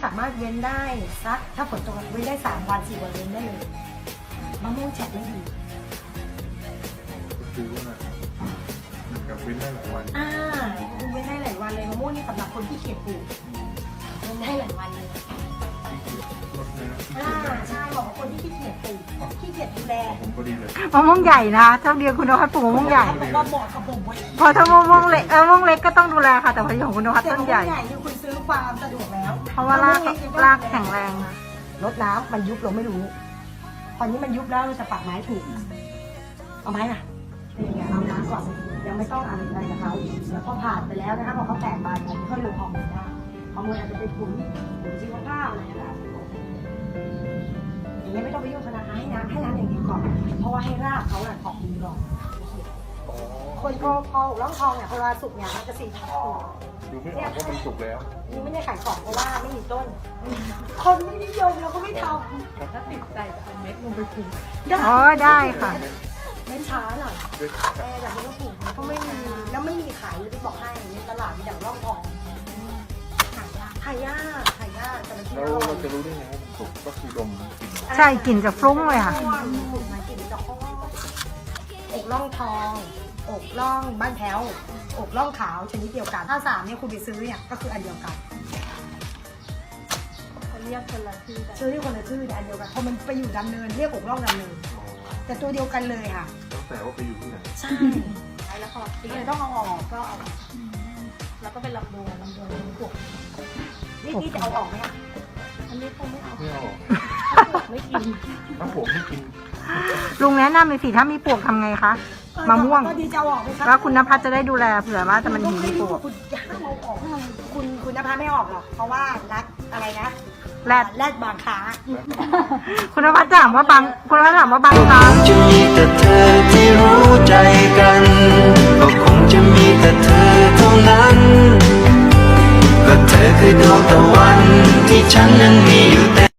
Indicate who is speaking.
Speaker 1: สามารถเว้นได้สักถ้าฝนตกเว้นได้3 วัน 4 วันเว้นได้เลยมะม่วงแฉะไม่ดี
Speaker 2: ก็คือว่ามันกับเว้นได้หลายวัน
Speaker 1: เว้นได้หลายวันเลยมะม่วงนี่สำหรับคนที่เขียดปลูกเว้นได้หลายวันเลย
Speaker 2: รดน้ำ
Speaker 1: ใช่บอกว่าคนที่ขี้เกียจปลูกขี้เกียจดูแล
Speaker 2: ผมก็ดีเลย
Speaker 3: มะม่วงใหญ่นะเท่าเดียวคุณนภัสปลูกมะม่วงใหญ่
Speaker 1: เขาบอกว่าเหมาะกับผมเว้ย
Speaker 3: พอถ้ามะม่วงเล็กมะม่วงเล็กก็ต้องดูแลค่ะ แต่พอของคุณนภัส
Speaker 1: แต่
Speaker 3: ต้น
Speaker 1: มะม่วง
Speaker 3: ใหญ่
Speaker 1: ใหญ่คือคุณซื้อความสะดวกแล้ว
Speaker 3: เพราะว่ารากแข็งแรงนะ
Speaker 1: รดน้ำมันยุบเราไม่รู้ตอนนี้มันยุบแล้วเราจะปักไม้ถูกเอาไม้น่ะเอาน้ำก่อนยังไม่ต้องอะไรกับเขาแล้วพอผ่านไปแล้วนะคะพอเขาแตกใบมันก็ลงฮอร์โมนได้ฮอร์โมนอาจจะเป็นปุ๋ยชีวภาพอะไรก็ได้อย่างนี้ไม่ต้องไปยุ่งขนาดให้น้ำอย่างเดียวก่อนเพราะว่าให้รากเขาออกดีก่อนคนพอร่องทองเนี่ยพอเวลาสุกเนี่ยมันจะสีทอง
Speaker 2: ดูไม่ออกว่ามันสุกแล้ว
Speaker 1: นี่ไม่ได้ขายของเพราะว่าไม่มีต้น คนไม่นิยมเราก็ไม่ท
Speaker 4: ถ้าติดใจจะเป็นเม็ดลงไปปลูก
Speaker 1: ำ
Speaker 3: อ๋อได้ค่ะ
Speaker 1: เล่นช้าหน่อยแต่แบบนี้ก็ปลูกก็ไม่มีแล้วไม่มีขายเลยที่บอกให้ในตลาดมีอย่างร่องทองหายากแต่ละที
Speaker 2: แล้วเราจะรู้ได้ไงว่ามันสุกก็คือดมกลิ่น
Speaker 3: ใช่กลิ่นจะฟรุ้งเลยค่ะ
Speaker 1: ปลูกมากินจะข้ออกร่องทองอกร่องบ้านแพ้วอกร่องขาวชนิดเดียวกันถ้า3เนี่ยคุณไปซื้อเนี่ยก็คืออันเดียวกัน
Speaker 4: เขาเรียกคนละชื่อแต่
Speaker 1: ซื้อที่คนละชื่อแต่อันเดียวกันพอมันไปอยู่ดำเนินเรียกอกร่องดำเนินแต่ตัวเดียวกันเลยค่ะ
Speaker 2: แล้วแต่ว่าไปอยู่ที่ไหน
Speaker 1: ใช่
Speaker 4: แล้วพอ
Speaker 1: ทีนี้ต้องเอาออกก็เอา
Speaker 4: แล้วก็เป็นลำดวน
Speaker 1: ลำดวนปลูกนี่จะเอาออกไหมคะ
Speaker 4: อันนี้คงไม่เอา
Speaker 2: ไม่เอา
Speaker 4: ไม่กิน
Speaker 2: ถ้าผมไม่กิน
Speaker 3: ลุงแนะนำเลยสิถ้ามีปลวกทำไงคะมะม่วง
Speaker 1: ก็ดีจะเอาออกไหมคะ
Speaker 3: แล้วคุณนภัสจะได้ดูแลเผื่อว่าจะมันมีปลวก
Speaker 1: คุณย่าเอาออกคุณนภาไม่ออกหรอกเพราะว่ารักอะไรนะ
Speaker 3: แรด
Speaker 1: แรดบางขา
Speaker 3: คุณนภัสถามว่าบางคุณนภัสถามว่าบางครั้ง
Speaker 5: จะมีแต่เธอที่รู้ใจกัน ก็คงจะมีแต่เธอเท่านั้น ก็เธอคือดวงตะวันที่ฉันนั้นมีอยู่แต่